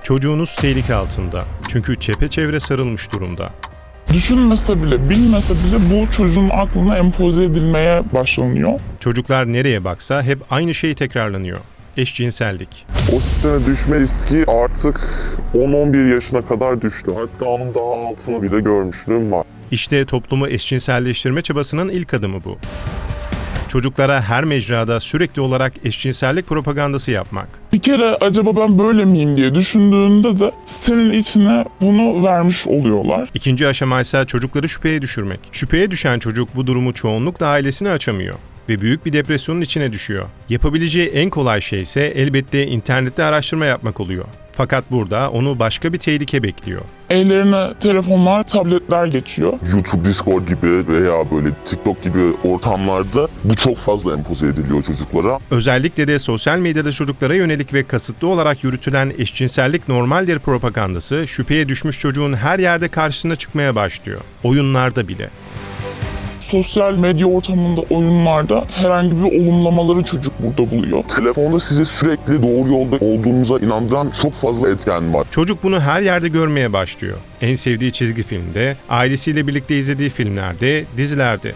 Çocuğunuz tehlike altında. Çünkü çepeçevre sarılmış durumda. Düşünmese bile, bilmese bile bu çocuğun aklına empoze edilmeye başlanıyor. Çocuklar nereye baksa hep aynı şey tekrarlanıyor. Eşcinsellik. O sisteme düşme riski artık 10-11 yaşına kadar düştü. Hatta onun daha altını bile görmüşlüğüm var. İşte toplumu eşcinselleştirme çabasının ilk adımı bu. Çocuklara her mecrada sürekli olarak eşcinsellik propagandası yapmak. Bir kere acaba ben böyle miyim diye düşündüğünde de senin içine bunu vermiş oluyorlar. İkinci aşama ise çocukları şüpheye düşürmek. Şüpheye düşen çocuk bu durumu çoğunlukla ailesine açamıyor ve büyük bir depresyonun içine düşüyor. Yapabileceği en kolay şey ise elbette internette araştırma yapmak oluyor. Fakat burada onu başka bir tehlike bekliyor. Ellerine telefonlar, tabletler geçiyor. YouTube, Discord gibi veya böyle TikTok gibi ortamlarda bu çok fazla empoze ediliyor çocuklara. Özellikle de sosyal medyada çocuklara yönelik ve kasıtlı olarak yürütülen eşcinsellik normaldir propagandası şüpheye düşmüş çocuğun her yerde karşısına çıkmaya başlıyor. Oyunlarda bile. Sosyal medya ortamında, oyunlarda herhangi bir olumlamaları çocuk burada buluyor. Telefonda size sürekli doğru yolda olduğunuza inandıran çok fazla etken var. Çocuk bunu her yerde görmeye başlıyor. En sevdiği çizgi filmde, ailesiyle birlikte izlediği filmlerde, dizilerde.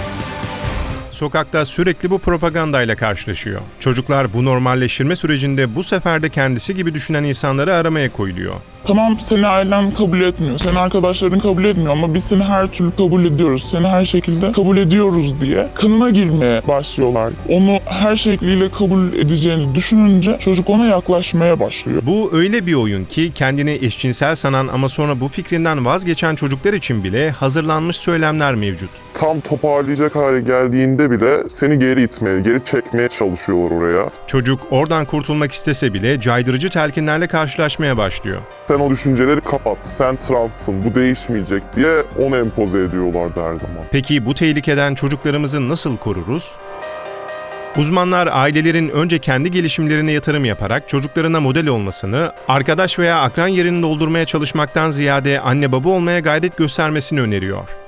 Sokakta sürekli bu propagandayla karşılaşıyor. Çocuklar bu normalleştirme sürecinde bu sefer de kendisi gibi düşünen insanları aramaya koyuluyor. Tamam, seni ailen kabul etmiyor, seni arkadaşların kabul etmiyor ama biz seni her türlü kabul ediyoruz, seni her şekilde kabul ediyoruz diye kanına girmeye başlıyorlar. Onu her şekliyle kabul edeceğini düşününce çocuk ona yaklaşmaya başlıyor. Bu öyle bir oyun ki kendini eşcinsel sanan ama sonra bu fikrinden vazgeçen çocuklar için bile hazırlanmış söylemler mevcut. Tam toparlayacak hale geldiğinde bile seni geri itmeye, geri çekmeye çalışıyorlar oraya. Çocuk oradan kurtulmak istese bile caydırıcı telkinlerle karşılaşmaya başlıyor. Sen o düşünceleri kapat, sen transsın, bu değişmeyecek diye onu empoze ediyorlardı her zaman. Peki bu tehlikeden çocuklarımızı nasıl koruruz? Uzmanlar ailelerin önce kendi gelişimlerine yatırım yaparak çocuklarına model olmasını, arkadaş veya akran yerini doldurmaya çalışmaktan ziyade anne baba olmaya gayret göstermesini öneriyor.